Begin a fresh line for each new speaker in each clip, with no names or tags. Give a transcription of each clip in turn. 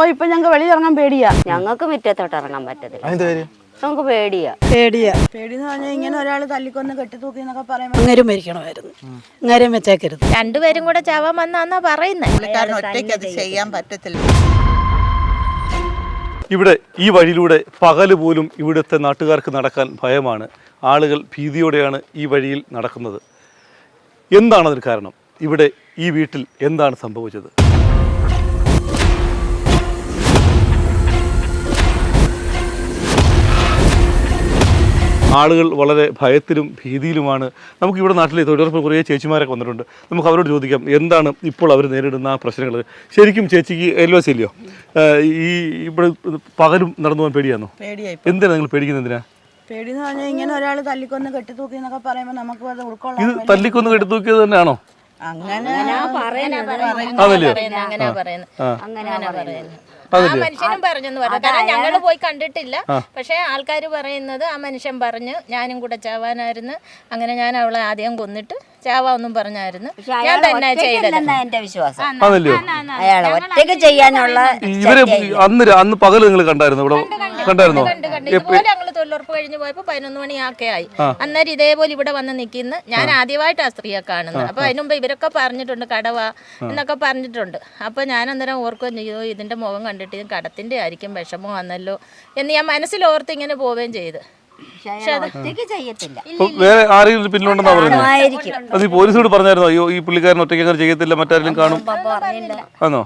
ഇപ്പൊ ഞങ്ങൾക്ക് വെളിയിലിറങ്ങാൻ പേടിയാ.
ഞങ്ങൾക്ക് മുറ്റത്തോട്ട് ഇറങ്ങാൻ പറ്റത്തില്ല. നമുക്ക് പേടിയാ.
പേടിയെന്ന് പറഞ്ഞാൽ ഇങ്ങനെ ഒരാൾ തല്ലിക്കൊന്ന് കെട്ടിത്തൂക്കി എന്നൊക്കെ പറയുമ്പോൾ
അങ്ങേരും മരിക്കണമായിരുന്നു. അങ്ങേരും വെച്ചേക്കരുത്.
രണ്ടുപേരും കൂടെ ചാവാൻ വന്നാ പറയുന്നത്.
ഒറ്റയ്ക്ക് അത് ചെയ്യാൻ പറ്റത്തില്ല.
ഇവിടെ ഈ വഴിയിലൂടെ പകല് പോലും ഇവിടുത്തെ നാട്ടുകാർക്ക് നടക്കാൻ ഭയമാണ്. ആളുകൾ ഭീതിയോടെയാണ് ഈ വഴിയിൽ നടക്കുന്നത്. എന്താണതിന് കാരണം? ഇവിടെ ഈ വീട്ടിൽ എന്താണ് സംഭവിച്ചത്? ആളുകൾ വളരെ ഭയത്തിലും ഭീതിയിലുമാണ്. നമുക്കിവിടെ നാട്ടിലെ തൊഴിലുറപ്പ് കുറേ ചേച്ചിമാരൊക്കെ വന്നിട്ടുണ്ട്. നമുക്ക് അവരോട് ചോദിക്കാം എന്താണ് ഇപ്പോൾ അവർ നേരിടുന്ന പ്രശ്നങ്ങൾ. ശരിക്കും ചേച്ചിക്ക് LOC ഇല്ലയോ? ഈ ഇവിടെ പകലും നടന്നു പോകാൻ പേടിയാണോ? എന്തിനാണ് നിങ്ങൾ പേടിക്കുന്നത്? എന്തിനാ
പേടിയെന്ന് പറഞ്ഞാൽ ഇങ്ങനെ ഒരാൾ തല്ലിക്കൊന്ന് കെട്ടിത്തൂക്കി എന്നൊക്കെ പറയുമ്പോൾ നമുക്ക് അത് ഉൾക്കൊള്ളാൻ.
ഇത് തല്ലിക്കൊന്ന് കെട്ടിത്തൂക്കിയത് തന്നെയാണോ?
അങ്ങനെ
ആ മനുഷ്യനും പറഞ്ഞെന്ന് പറഞ്ഞു. കാരണം ഞങ്ങള് പോയി കണ്ടിട്ടില്ല. പക്ഷെ ആൾക്കാർ പറയുന്നത് ആ മനുഷ്യൻ പറഞ്ഞു ഞാനും കൂടെ ചാവാനായിരുന്നു. അങ്ങനെ ഞാൻ അവളെ ആദ്യം കൊന്നിട്ട് ചാവാന്നും പറഞ്ഞായിരുന്നു. ഞാൻ തന്നെ ചെയ്തത്
എന്റെ വിശ്വാസം. അയാളെ ഒറ്റയ്ക്ക് ചെയ്യാനുള്ള
ഇവര് അന്ന് പകല് നിങ്ങൾ കണ്ടായിരുന്നു? ഇവിടെ കണ്ടായിരുന്നോ?
ഇതുപോലെ ഞങ്ങള് തൊഴിലുറപ്പ് കഴിഞ്ഞ് പോയപ്പോ 11 മണിയൊക്കെ ആയി. അന്നേരം ഇതേപോലെ ഇവിടെ വന്ന് നിൽക്കുന്ന ഞാൻ ആദ്യമായിട്ട് ആ സ്ത്രീയെ കാണുന്നത്. അപ്പൊ അതിനുമുമ്പ് ഇവരൊക്കെ പറഞ്ഞിട്ടുണ്ട് കടവ എന്നൊക്കെ പറഞ്ഞിട്ടുണ്ട്. അപ്പൊ ഞാൻ അന്നേരം ഓർക്കുകയും ചെയ്തു ഇതിന്റെ മുഖം കണ്ടിട്ട് കടത്തിന്റെ ആയിരിക്കും വിഷമം വന്നല്ലോ എന്ന് ഞാൻ മനസ്സിലോർത്ത് ഇങ്ങനെ പോവുകയും ചെയ്ത്.
വേറെ ആരെങ്കിലും പിന്നിലുണ്ടെന്നാ പറയുന്നത്? അത് ഈ പോലീസോട് പറഞ്ഞായിരുന്നോ? അയ്യോ ഈ പുള്ളിക്കാരൻ ഒറ്റയ്ക്ക് അങ്ങനെ ചെയ്യത്തില്ല, മറ്റാരെങ്കിലും കാണും ആണോ?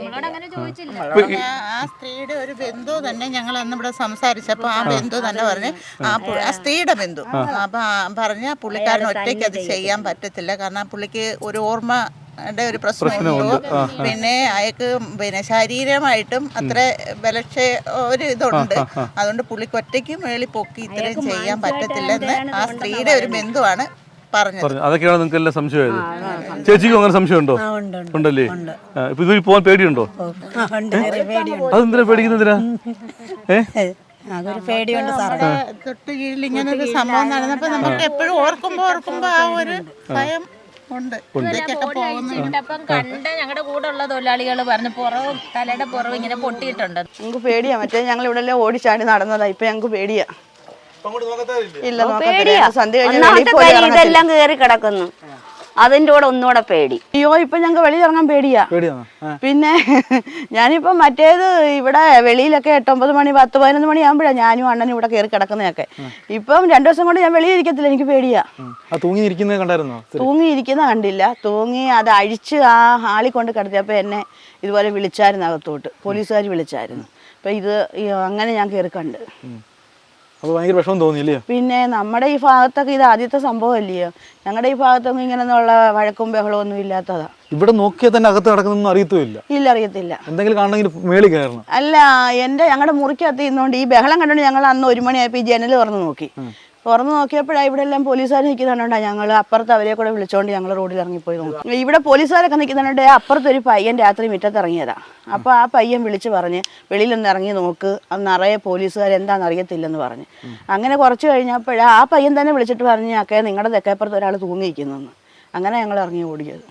ആ സ്ത്രീയുടെ ഒരു ബന്ധു തന്നെ ഞങ്ങൾ അന്ന് ഇവിടെ സംസാരിച്ചപ്പോ ആ ബന്ധു തന്നെ പറഞ്ഞ് ആ സ്ത്രീയുടെ ബന്ധു അപ്പൊ പറഞ്ഞ പുള്ളിക്കാരൻ ഒറ്റയ്ക്ക് അത് ചെയ്യാൻ പറ്റത്തില്ല. കാരണം പുള്ളിക്ക് ഒരു ഓർമ്മ ഒരു പ്രശ്നമുള്ളൂ. പിന്നെ അയാൾക്ക് ശാരീരികമായിട്ടും അത്ര ഒരു ഇതുണ്ട്. അതുകൊണ്ട് പുള്ളിക്ക് ഒറ്റയ്ക്ക് മേളിൽ പൊക്കി ഇത്രയും ചെയ്യാൻ പറ്റത്തില്ലെന്ന് ആ സ്ത്രീയുടെ ഒരു ബന്ധുവാണ് പറഞ്ഞത്.
അതൊക്കെയാണ് നിങ്ങൾക്ക് എല്ലാം സംശയമായത്. ചേച്ചിക്കും അങ്ങനെ സംശയമുണ്ടോ? ഉണ്ടല്ലേ? ഇപ്പൊ ഇത് പോകാൻ പേടിയുണ്ടോ? അതെന്തിനാ പേടിക്കുന്നതിനാ?
അതൊരു പേടിയുണ്ട് സാറേ.
തൊട്ട് കീഴിൽ ഇങ്ങനെ ഒരു സംഭവം നടന്നപ്പോ നമുക്ക് എപ്പോഴും ഓർക്കുമ്പോ ആ ഒരു ഭയം ഉണ്ട്.
അപ്പം കണ്ട ഞങ്ങളുടെ കൂടെ ഉള്ള തൊഴിലാളികൾ പറഞ്ഞു പുറവും തലയുടെ പുറവും ഇങ്ങനെ പൊട്ടിയിട്ടുണ്ട്.
ഞങ്ങൾക്ക് പേടിയാ. മറ്റേ ഞങ്ങൾ ഇവിടെ എല്ലാം ഓടിച്ചാടി നടന്നതാ. ഇപ്പൊ ഞങ്ങൾക്ക് പേടിയാ. ഇല്ല,
ഇതെല്ലാം കേറി കിടക്കുന്നു. അതിന്റെ കൂടെ ഒന്നുകൂടെ പേടി.
അയ്യോ ഇപ്പൊ ഞങ്ങൾക്ക് വെളിയിലിറങ്ങാൻ പേടിയാ. പിന്നെ ഞാനിപ്പോ മറ്റേത് ഇവിടെ വെളിയിലൊക്കെ 8-9 മണി 10-11 മണി ആകുമ്പോഴാണ് ഞാനും അണ്ണനും ഇവിടെ കയറി കിടക്കുന്നതൊക്കെ. ഇപ്പം 2 ദിവസം കൊണ്ട് ഞാൻ വെളിയിലിരിക്കത്തില്ല. എനിക്ക് പേടിയാ. തൂങ്ങിയിരിക്കുന്ന കണ്ടില്ല. തൂങ്ങി അത് അഴിച്ച് ആ ഹാളിൽ കൊണ്ട് കിടത്തിയപ്പോ എന്നെ ഇതുപോലെ വിളിച്ചായിരുന്നു അകത്തോട്ട്. പോലീസുകാർ വിളിച്ചായിരുന്നു. അപ്പൊ ഇത് അങ്ങനെ ഞാൻ കയറി കണ്ട്. പിന്നെ നമ്മുടെ ഈ ഭാഗത്തൊക്കെ ഇത് ആദ്യത്തെ സംഭവം അല്ലയോ. ഞങ്ങളുടെ ഈ ഭാഗത്തൊന്നും ഇങ്ങനെയുള്ള വഴക്കും ബഹളവും ഒന്നും ഇല്ലാത്തതാ.
ഇവിടെ നോക്കിയാൽ തന്നെ അകത്ത് നടക്കുന്നൊന്നും അറിയത്തില്ല.
ഇല്ല, അറിയത്തില്ല.
എന്തെങ്കിലും കാണണമെങ്കിൽ മേളിൽ കയറണം.
അല്ല, ഞങ്ങളുടെ മുറിക്കകത്ത് ഇരുന്നോണ്ട് ഈ ബഹളം കണ്ടോണ്ട് ഞങ്ങൾ അന്ന് 1 മണിയായപ്പോ ഈ ജനൽ തുറന്നു നോക്കി. തുറന്നു നോക്കിയപ്പോഴാണ് ഇവിടെ എല്ലാം പോലീസുകാർ നിൽക്കുന്നുണ്ടോ. ഞങ്ങൾ അപ്പുറത്ത് അവരെ കൂടെ വിളിച്ചോണ്ട് ഞങ്ങൾ റോഡിൽ ഇറങ്ങിപ്പോയി നോക്കി. ഇവിടെ പോലീസുകാരൊക്കെ നിൽക്കുന്നുണ്ട്. അപ്പുറത്തൊരു പയ്യൻ രാത്രി മുറ്റത്ത് ഇറങ്ങിയതാ. അപ്പോൾ ആ പയ്യൻ വിളിച്ച് പറഞ്ഞ് വെളിയിലൊന്ന് ഇറങ്ങി നോക്ക്, അത് നിറയെ പോലീസുകാർ എന്താണെന്ന് അറിയത്തില്ലെന്ന് പറഞ്ഞ്. അങ്ങനെ കുറച്ച് കഴിഞ്ഞപ്പോഴാണ് ആ പയ്യൻ തന്നെ വിളിച്ചിട്ട് പറഞ്ഞ് അക്കെ നിങ്ങളുടെ തെക്കേപ്പുറത്ത് ഒരാൾ തൂങ്ങിയിരിക്കുന്നെന്ന്. അങ്ങനെ ഞങ്ങൾ ഇറങ്ങി ഓടിയത്.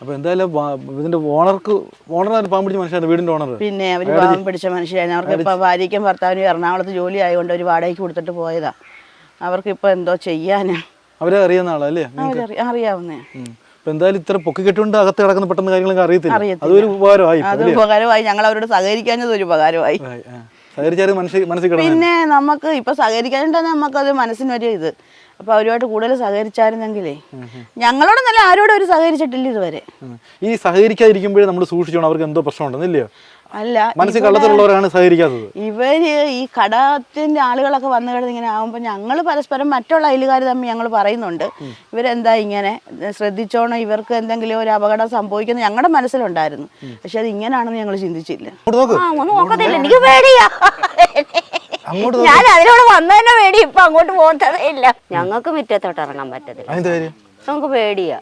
പിന്നെ അവർ പാവം പിടിച്ച മനുഷ്യരാണ്. അവർക്ക് ഇപ്പൊ ഭാര്യയ്ക്കും ഭർത്താവിനും എറണാകുളത്ത് ജോലി ആയതുകൊണ്ട് ഒരു വാടകയ്ക്ക് കൊടുത്തിട്ട് പോയതാ. അവർക്കിപ്പോ എന്തോ ചെയ്യാനാ.
അവരെ അറിയുന്ന ആളല്ലേ?
അറിയാവുന്നേ.
എന്തായാലും ഇത്ര പൊക്കി കെട്ടുകൊണ്ട് അകത്ത് കിടക്കുന്ന പെട്ടെന്ന് കാര്യങ്ങളൊക്കെ അറിയത്തില്ല.
അത് ഉപകാരമായി. ഞങ്ങൾ അവരോട് സഹകരിക്കാഞ്ഞത് ഒരു ഉപകാരമായി. പിന്നെ നമുക്ക് ഇപ്പൊ സഹകരിക്കാനുണ്ടെ നമുക്കത് മനസ്സിനൊരു ഇത്. അപ്പൊ അവരുമായിട്ട് കൂടുതൽ സഹകരിച്ചായിരുന്നെങ്കിലേ. ഞങ്ങളോടൊന്നല്ല ആരോടും അവർ സഹകരിച്ചിട്ടില്ല ഇതുവരെ.
ഈ സഹകരിക്കാതിരിക്കുമ്പോഴേ നമ്മൾ സൂക്ഷിച്ചോണം. അവർക്ക് എന്തോ പ്രശ്നം ഉണ്ടെന്നില്ലയോ?
അല്ല,
മനസ്സിൽ കള്ളത്തിലുള്ളവരാണ് സഹകരിക്കാത്തത്.
ഇവര് ഈ കടത്തിന്റെ ആളുകളൊക്കെ വന്നു കിടന്ന് ഇങ്ങനെ ആകുമ്പോൾ ഞങ്ങൾ പരസ്പരം മറ്റുള്ള അയലുകാർ തമ്മിൽ ഞങ്ങൾ പറയുന്നുണ്ട് ഇവരെന്താ ഇങ്ങനെ ശ്രദ്ധിച്ചോണം, ഇവർക്ക് എന്തെങ്കിലും ഒരു അപകടം സംഭവിക്കുന്നത് ഞങ്ങളുടെ മനസ്സിലുണ്ടായിരുന്നു. പക്ഷെ അത് ഇങ്ങനെയാണെന്ന് ഞങ്ങൾ ചിന്തിച്ചില്ല.
എനിക്ക് പേടിയാ. ഞാൻ അതിനോട് വന്നതിനെ പേടി. ഇപ്പൊ അങ്ങോട്ട് പോകുന്നതേ ഇല്ല. ഞങ്ങൾക്ക് മുറ്റത്തോട്ട് ഇറങ്ങാൻ പറ്റത്തില്ല. നമുക്ക് പേടിയാ.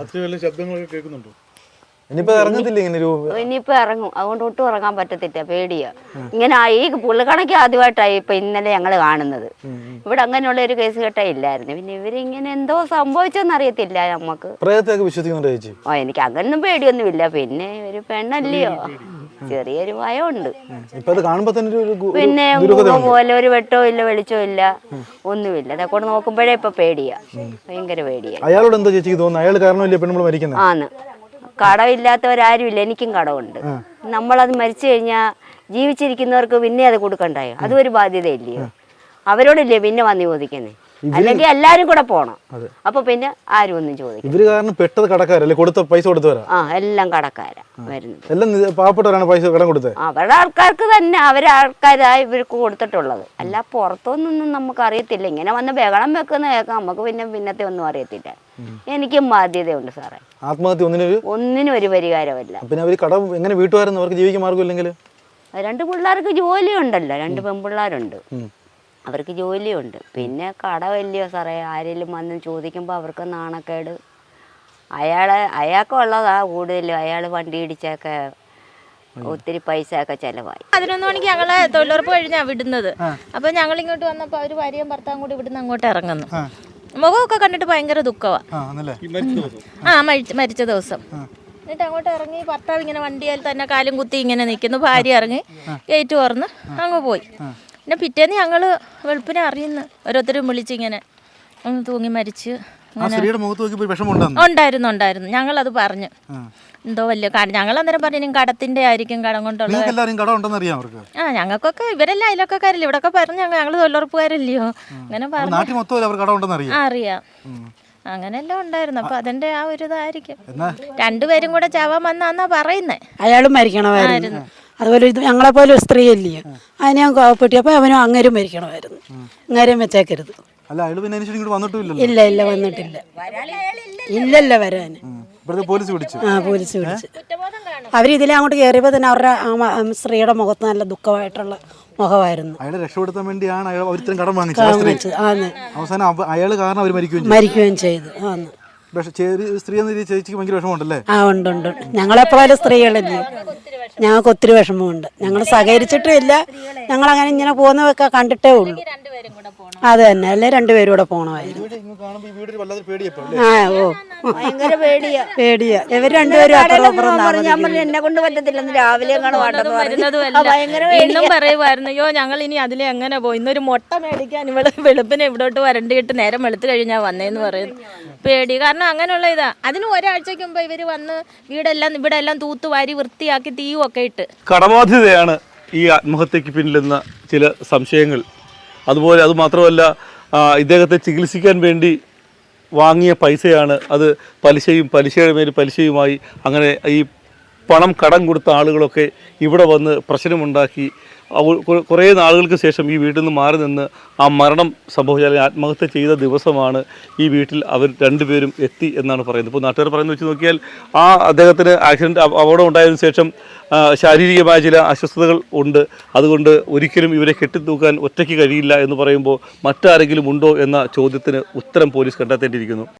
ഇനിയിപ്പോ ഇറങ്ങും. അതുകൊണ്ട് ഒട്ടും ഇറങ്ങാൻ പറ്റത്തില്ല. പേടിയാ. ഇങ്ങനെ ഈ പുള്ളിക്കണക്ക് ആദ്യമായിട്ടായി ഇപ്പൊ ഇന്നലെ ഞങ്ങള് കാണുന്നത്. ഇവിടെ അങ്ങനെയുള്ള ഒരു കേസ് കേട്ടാ ഇല്ലായിരുന്നു. പിന്നെ ഇവരിങ്ങനെ എന്തോ സംഭവിച്ചെന്ന് അറിയത്തില്ല നമുക്ക്.
വിശ്വസിക്കുന്നുണ്ടോ ചേച്ചി?
എനിക്ക് അങ്ങനൊന്നും പേടിയൊന്നുമില്ല. പിന്നെ ഒരു പെണ്ണല്ലയോ. ചെറിയൊരു ഭയമുണ്ട്.
ഇപ്പൊ അത് കാണുമ്പോ തന്നെ
പിന്നെ പോലെ ഒരു വെട്ടോ ഇല്ല വെളിച്ചോ ഇല്ല ഒന്നുമില്ല. അതൊക്കെ നോക്കുമ്പോഴേ ഇപ്പൊ പേടിയാ, ഭയങ്കര പേടിയാ.
അയാളോട് എന്താ ചേച്ചിക്ക് തോന്നുന്നു? അയാൾ കാരണമല്ലേ പെണ്ണുമ്പോൾ മരിക്കുന്നത്?
ആണ്. കടമില്ലാത്തവരാരും ഇല്ല, എനിക്കും കടമുണ്ട്. നമ്മളത് മരിച്ചു കഴിഞ്ഞാൽ ജീവിച്ചിരിക്കുന്നവർക്ക് പിന്നെ അത് കൊടുക്കണ്ടായോ? അതും ഒരു ബാധ്യതയില്ലയോ? അവരോടില്ലേ പിന്നെ വന്ന് ചോദിക്കുന്നേ? അല്ലെങ്കിൽ എല്ലാരും കൂടെ പോണം. അപ്പൊ പിന്നെ ആരും ഒന്നും ചോദിക്കും.
ഇവര് കാരണം പെട്ടത് കടക്കാരല്ലേ? കൊടുത്ത പൈസ കൊടുത്തവരാ?
എല്ലാം കടക്കാരാ വരുന്നത്.
എല്ലാം പാവപ്പെട്ടവരാണ് പൈസ കടം കൊടുത്തത്.
അവരുടെ ആൾക്കാർക്ക് തന്നെ അവരെ ആൾക്കാരായി ഇവർക്ക് കൊടുത്തിട്ടുള്ളത്. അല്ല പുറത്തൊന്നും നമുക്ക് അറിയത്തില്ല. ഇങ്ങനെ വന്ന് ബഹളം വെക്കുന്ന കേൾക്കാം, നമുക്ക് പിന്നെ പിന്നത്തെ ഒന്നും അറിയത്തില്ല. എനിക്കും ബാധ്യതയുണ്ട് സാറേ.
ആത്മഹത്യ
ഒന്നിനും ഒരു പരിഹാരമല്ല.
പിന്നെ അവര് കടം എങ്ങനെ വീട്ടുകാരെന്ന് അവർക്ക് ജീവിക്കാൻ മാർഗമില്ലെങ്കിൽ?
2 പിള്ളേർക്ക് ജോലിയുണ്ടല്ലോ, 2 പെൺപിള്ളേരുണ്ട്, അവർക്ക് ജോലിയുണ്ട്. പിന്നെ കടമല്ലയോ സാറേ, ആരെങ്കിലും വന്ന് ചോദിക്കുമ്പോൾ അവർക്ക് നാണക്കേട്. അയാൾക്കുള്ളതാ കൂടുതലും. അയാൾ വണ്ടി ഇടിച്ചൊക്കെ ഒത്തിരി പൈസ ഒക്കെ ചെലവായി.
11 മണിക്ക് ഞങ്ങളെ തൊഴിലുറപ്പ് കഴിഞ്ഞാ വിടുന്നത്. അപ്പൊ ഞങ്ങൾ ഇങ്ങോട്ട് വന്നപ്പോ അവര് ഭാര്യയും ഭർത്താവും കൂടി ഇവിടുന്ന് അങ്ങോട്ട് ഇറങ്ങുന്നു. മുഖമൊക്കെ കണ്ടിട്ട് ഭയങ്കര ദുഃഖമാ. മരിച്ച ദിവസം. എന്നിട്ട് അങ്ങോട്ട് ഇറങ്ങി ഭർത്താവ് ഇങ്ങനെ വണ്ടിയിൽ തന്നെ കാലും കുത്തി ഇങ്ങനെ നിൽക്കുന്നു. ഭാര്യ ഇറങ്ങി ഗേറ്റ് തുറന്ന് അങ്ങ് പോയി. പിന്നെ പിറ്റേന്ന് ഞങ്ങള് വെളുപ്പിനെ അറിയുന്നു, ഓരോരുത്തരും വിളിച്ചിങ്ങനെ ഒന്ന് തൂങ്ങി മരിച്ച്. ഉണ്ടായിരുന്നു. ഞങ്ങളത് പറഞ്ഞു. എന്തോ വലിയ ഞങ്ങൾ അന്നേരം പറഞ്ഞു കടത്തിന്റെ ആയിരിക്കും, കടം കൊണ്ടുള്ള. ഞങ്ങൾക്കൊക്കെ ഇവരെല്ലാം അയലൊക്കെക്കാരല്ലേ ഇവിടൊക്കെ പറഞ്ഞു. ഞങ്ങൾ തൊഴിലുറപ്പുകാരല്ലയോ അങ്ങനെ പറഞ്ഞു. അറിയാം. അങ്ങനെല്ലാം ഉണ്ടായിരുന്നു. അപ്പൊ അതിന്റെ ആ ഒരു ഇതായിരിക്കും. 2 പേരും കൂടെ ചാവാൻ വന്നാ പറയുന്നേ.
അയാളും മരിക്കണമായിരുന്നു. അതുപോലെ ഇത് ഞങ്ങളെപ്പോലെ ഒരു സ്ത്രീ അല്ലയോ, അതിനെ ഞാൻ കോപ്പട്ടിയപ്പോൾ അവനും അങ്ങേരും മരിക്കണമായിരുന്നു. അങ്ങേരും വെച്ചേക്കരുത്. ഇല്ല വന്നിട്ടില്ല. ഇല്ലല്ല വരാൻ.
പോലീസ് വിളിച്ചു.
അവരിതിലെ അങ്ങോട്ട് കയറിയപ്പോൾ തന്നെ അവരുടെ സ്ത്രീയുടെ മുഖത്ത് നല്ല ദുഃഖമായിട്ടുള്ള മുഖമായിരുന്നു.
അയാളെ രക്ഷപ്പെടുത്താൻ വേണ്ടിയാണ് കടം വാങ്ങിച്ചത്. അവസാനം അയാൾ കാരണം അവർ
മരിക്കുകയും ചെയ്തു.
സ്ത്രീ എന്ന രീതിയിൽ ചേച്ചിക്ക് ഭയങ്കര വിഷമമുണ്ടല്ലേ?
ഉണ്ട്. ഞങ്ങളെപ്പോലെ സ്ത്രീകളല്ലേ, ഞങ്ങൾക്ക് ഒത്തിരി വിഷമമുണ്ട്. ഞങ്ങൾ സഹകരിച്ചിട്ടും ഇല്ല. ഞങ്ങളങ്ങനെ ഇങ്ങനെ പോകുന്നതൊക്കെ കണ്ടിട്ടേ ഉള്ളൂ. അത് തന്നെ, അല്ലേ 2 പേരും കൂടെ പോണമായിരുന്നു.
ഭയങ്കര പേടിയാ.
ഇവർ 2 പേരും
ഞാൻ പറഞ്ഞു എന്നെ കൊണ്ട് പറ്റത്തില്ലെന്ന്. രാവിലെ
എന്നും പറയുമായിരുന്നു, അയ്യോ ഞങ്ങൾ ഇനി അതിലെ എങ്ങനെ പോയി, ഇന്നൊരു മുട്ട മേടിക്കാൻ ഇവിടെ വെളുപ്പിനെ ഇവിടോട്ട് വരണ്ടിട്ട് നേരം വെളുത്ത് കഴിഞ്ഞാൽ വന്നേന്ന് പറയുന്നു. പേടി കാരണം അങ്ങനെയുള്ള ഇതാ. അതിന് ഒരാഴ്ചക്ക് മുമ്പ് ഇവര് വന്ന് ഇവിടെ എല്ലാം തൂത്തുവാരി വൃത്തിയാക്കി തീയും ഒക്കെ ഇട്ട്.
കടബാധ്യതയാണ് ഈ ആത്മഹത്യക്ക് പിന്നിലെന്ന ചില സംശയങ്ങൾ. അതുപോലെ അത് മാത്രമല്ല, ഇദ്ദേഹത്തെ ചികിത്സിക്കാൻ വേണ്ടി വാങ്ങിയ പൈസയാണ് അത്. പലിശയുടെ മേൽ പലിശയുമായി അങ്ങനെ ഈ പണം കടം കൊടുത്ത ആളുകളൊക്കെ ഇവിടെ വന്ന് പ്രശ്നമുണ്ടാക്കി. കുറേ നാളുകൾക്ക് ശേഷം ഈ വീട്ടിൽ നിന്ന് മാറി നിന്ന് ആ മരണം സംഭവിച്ച ആത്മഹത്യ ചെയ്ത ദിവസമാണ് ഈ വീട്ടിൽ അവർ 2 പേരും എത്തി എന്നാണ് പറയുന്നത്. ഇപ്പോൾ നാട്ടുകാർ പറയുന്നത് വെച്ച് നോക്കിയാൽ അദ്ദേഹത്തിന് ആക്സിഡൻറ്റ് അപകടം ഉണ്ടായതിനു ശേഷം ശാരീരികമായ ചില അസ്വസ്ഥതകൾ ഉണ്ട്. അതുകൊണ്ട് ഒരിക്കലും ഇവരെ കെട്ടിത്തൂക്കാൻ ഒറ്റയ്ക്ക് കഴിയില്ല എന്ന് പറയുമ്പോൾ മറ്റാരെങ്കിലും ഉണ്ടോ എന്ന ചോദ്യത്തിന് ഉത്തരം പോലീസ് കണ്ടെത്തേണ്ടിയിരിക്കുന്നു.